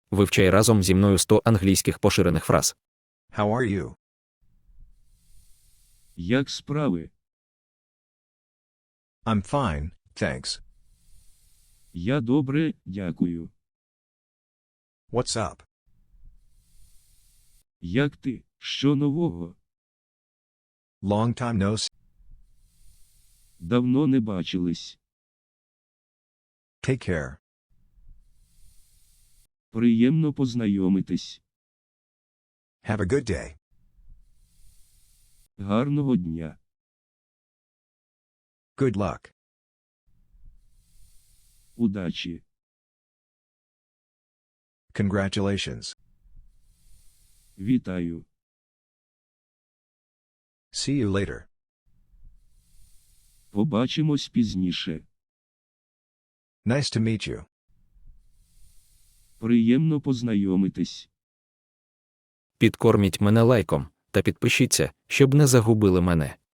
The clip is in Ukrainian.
Вивчай разом зі мною 100 англійських поширених фраз. How are you? Як справи? I'm fine, thanks. Я добре, дякую. What's up? Як ти? Що нового? Long time no see. Давно не бачились. Take care. Приємно познайомитись. Have a good day. Гарного дня. Good luck. Удачі. Congratulations. Вітаю. See you later. Побачимось пізніше. Nice to meet you. Приємно познайомитись. Підкорміть мене лайком та підпишіться, щоб не загубили мене.